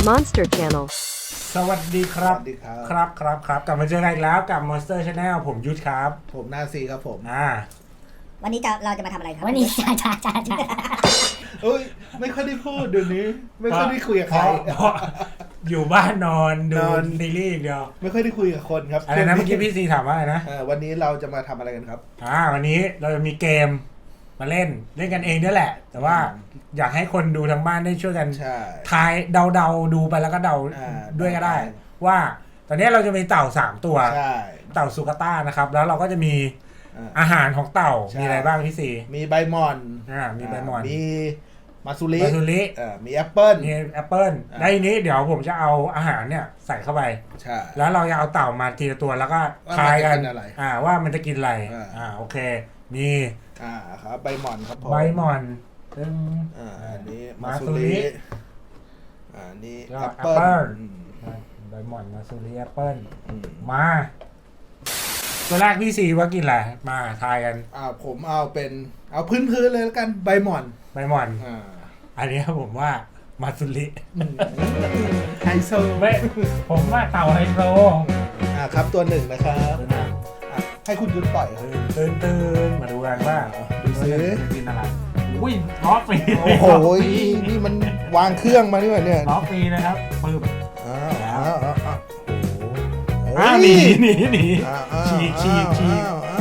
Monster Channel สวัสดีครับสวัสดีครับครับกลับมาเจอกันอีกแล้วกับ Monster Channel ผมยุทธครับผมนาซีครับผมวันนี้เราจะมาทำอะไรครับวันนี้จ้าเอ้ยไม่ค่อยได้พูดเดี๋ยวนี้ ไม่ค่อยได้คุยกับใครเพราะอยู่บ้านนอนดูนอนซีรีส์อย่างเดียวไม่ค่อยได้คุยกับคนครับอะไรนะเมื่อกี้พี่ซีถามว่าอะไรนะวันนี้เราจะมาทำอะไรกันครับวันนี้เราจะมีเกมมาเล่นกันเองด้วยแหละ แต่ว่าอยากให้คนดูทางบ้านได้ช่วยกันใช่ทายเดาดูไปแล้วก็เดา ด้วยก็ได้ ว่าตอนนี้เราจะมีเต่า3ตัวใช่เต่าสุกาต้านะครับแล้วเราก็จะมีอ่าอาหารของเต่าใช่มีอะไรบ้างพี่ซีมีใบหมอนมีใบหมอนมีมาซูริมาซูริมีแอปเปิ้ลมีแอปเปิลได้วทีนี้เดี๋ยวผมจะเอาอาหารเนี่ยใส่เข้าไปใช่แล้วเราจะเอาเต่ามาทีละตัวแล้วก็ว่าทายกันมันจะกินอะไรว่ามันจะกินอะไร โอเค มีครับใบหมอนครับผมใบหมอนซึ่งอันนี้มามาซูซูริริอันนี้ก็แอปเปิ้ลแอปเปิ้ลอืมใบหมอนมาซูริแอปเปิลอืมมาตัวแรกพี่ซีว่ากินอะไรมาทายกันผมเอาพื้นเลยแล้วกันใบหมอนใบหมอนอ่าอันนี้ผมว่ามาซูริไฮโซไม่ผมว่าเต่าไฮโซครับตัวหนึ่งนะครับให้คุณยุทธปล่อยครับตื่นมาดูกันว่าดูซิจะกินอะไรอุ้ยล้อฟรีโอ้โหนี่มันวางเครื่องมาด้วยเนี่ยล้อฟรีนะครับปึ๊บอ้าวโอ้โหหนีฉีกฉีกฉีก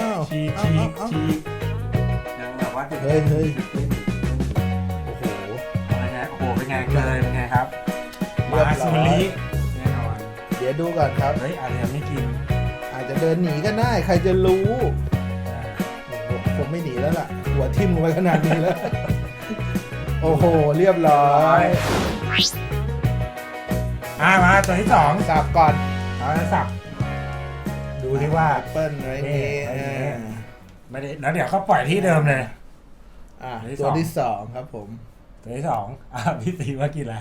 ยังแบบว่าเฮ้ยโอ้โหอะไรนะโอ้โหเป็นไงเลยเป็นไงครับเรียบร้อยมาซูริแน่นอนเดี๋ยวดูก่อนครับเฮ้ยอะไรยังไม่กินอาจจะเดินหนีก็ได้ใครจะรู้โอ้โหผมไม่หนีแล้วล่ะ หัวทิ่มลงไปขนาดนี้แล้ว โอ้โห เรียบร้อยมาตัวที่สองสับก่อนเอาละสับดูที่ว่าแอปเปิ้ลไว้นี่ไม่ได้แล้วเดี๋ยวเขาปล่อยที่เดิมเลยตัวที่สองครับผมตัวที่สองพี่ตีว่ากินอะไร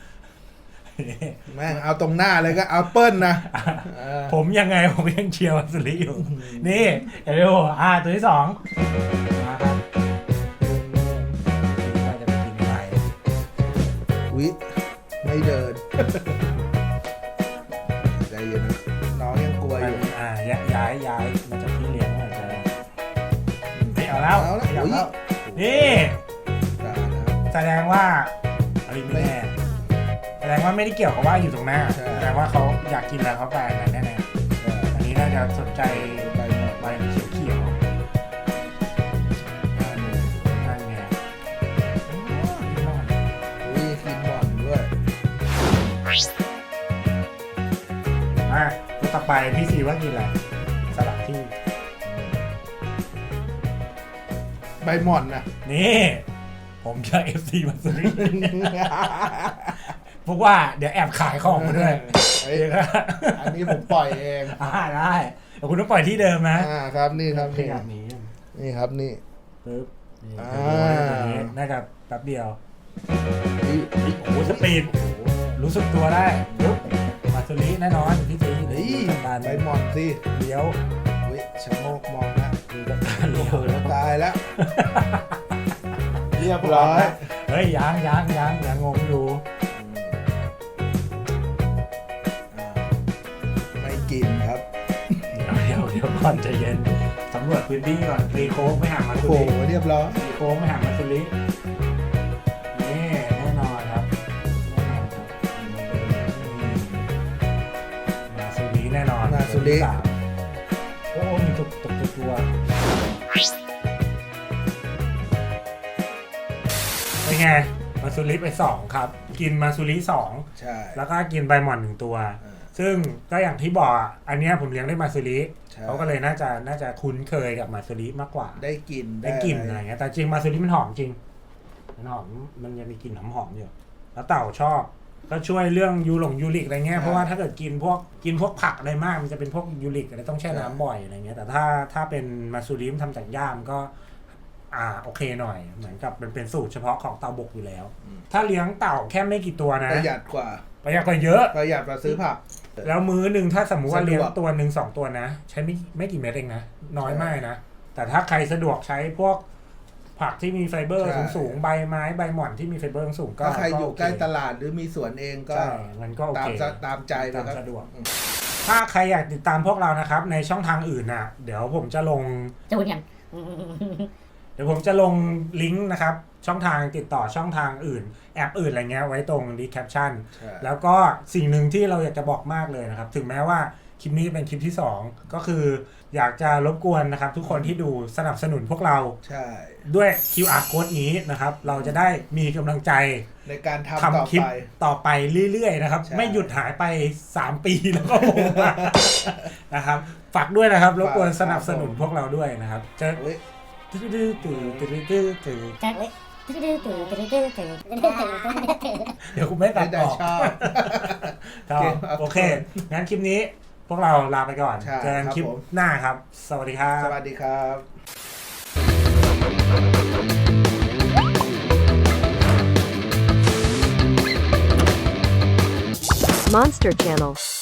แม่งเอาตรงหน้าเลยก็เอาเปิ้ลนะผมยังไงผมยังเชียร์วัสลีอยู่ นี่เดี๋ยวดูตัวที่สองมาครับว่าจะไปกินอะไรวิไม่เดิน ใจเย็นนะน้องยังกลัวอยู่ย้ายมาจากที่เลี้ยงหน่อยจะไม่เอาแล้วเอาแล้วไม่เอาอุ๊ยแล้วนี่ได้นะแสดงว่าอะไรไม่แน่แสดงว่าไม่ได้เกี่ยวกับว่าอยู่ตรงหน้าใช่แสดงว่าเขาอยากกินอะไรเขาไปอันนั้นแน่ๆอันนี้น่าจะสนใจไปหมดใบเขียวๆนั่นไงอุ้ยกินหมอนด้วยตัวต่อไปพี่ซีว่ากินอะไรสลับที่ใบหมอนนะนี่ ผมจะ FC มาซื้อพวกว่าเดี๋ยวแอบขายของมาด้วยเอ้ยอันนี้ผมปล่อยเองได้แต่คุณต้องปล่อยที่เดิมนะครับนี่ครับขนี่ยับนี้นี่ครับนี่ปึ๊บนี่อ่าน่าจะแป๊บเดียวนี่โอ้โหสปีดรู้สึกตัวได้ปุ๊บมาซูริแน่นอนพี่ซีเฮ้ยการใบหมอนสิเลี้ยวอุ้ยชะโงกมองนะดูจากการเลี้ยวแล้วตายแล้ว เรียบร้อยเฮ้ยยังงงอยู่ไม่กินครับเดี๋ยวก่อนใจเย็นสำรวจพื้นที่ก่อนตีโค้งไม่ห่างมาโอ้ซูโหริเรียบร้อยตีโค้งไม่ห่างมาซูรินี่แน่นอนครับมาซูริแน่นอนมาซูริตัวที่สามโอ้มีตกตัวเป็นไงมาซูริไป2ครับกินมาซูริ2 ใช่แล้วก็กินใบหม่อน1ตัวอ่าซึ่งก็อย่างที่บอกอันเนี้ยผมเลี้ยงได้มาซูริใช่เขาก็เลยน่าจะคุ้นเคยกับมาซูริมากกว่าได้กินได้กลิ่นอะไรเงี้ยแต่จริงมาซูริมันหอมจริงมันหอมมันจะมีกลิ่นหอมๆอยู่แล้วเต่าชอบก็ช่วยเรื่องยูริกอะไรเงี้ยเพราะว่าถ้าเกิดกินพวกผักอะไรมากมันจะเป็นพวกยูริกอะไรต้องแช่น้ำบ่อยอะไรเงี้ยแต่ถ้าเป็นมาซูริมทำจากย่ามก็โอเคหน่อยเหมือนกับมันเป็นสูตรเฉพาะของเต่าบกอยู่แล้ว ถ้าเลี้ยงเต่าแค่ไม่กี่ตัวนะประหยัดกว่าประหยัดกว่าเยอะประหยัดกว่าซื้อผักแล้วมื้อหนึ่งถ้าสมมุติว่าสะดวกเลี้ยงตัวหนึ่ง2 ตัวนะ ใช้ไม่กี่เม็ดเองนะน้อยมากนะแต่ถ้าใครสะดวกใช้พวกผักที่มีไฟเบอร์ใช่สูงๆใบไม้ใบหม่อนที่มีไฟเบอร์สูงก็ถ้าใครอยู่ใกล้ตลาดลาดหรือมีสวนเองก็ใช่มันก็โอเคตามใจนะคตารับมสะดวก ถ้าใครอยากติดตามพวกเรานะครับในช่องทางอื่นน่ะเดี๋ยวผมจะลงจะพูดยังเดี๋ยวผมจะลงลิงก์นะครับช่องทางติดต่อช่องทางอื่นแอปอื่นอะไรเงี้ยไว้ตรงดีแคปชั่นใช่แล้วก็สิ่งหนึ่งที่เราอยากจะบอกมากเลยนะครับถึงแม้ว่าคลิปนี้เป็นคลิปที่ 2 ก็คืออยากจะรบกวนนะครับทุกคนที่ดูสนับสนุนพวกเราใช่ด้วย QR code นี้นะครับเราจะได้มีกำลังใจในการทำต่อทำคลิปไปต่อไปเรื่อยๆนะครับใช่ไม่หยุดหายไป 3 ปีแล้วก็ผม นะครับฝากด้วยนะครับรบกวนสนับสนุนพวกเราด้วยนะครับจะเฮ้ยจะเว้ยเดี๋ยวคุณไม่ตัดได้ออกชอบครับโอเค งั้นคลิปนี้พวกเราลาไปก่อนใช่เจอกันครับคลิปผมหน้าครับ สวัสดีครับสวัสดีครับ Monster Channel.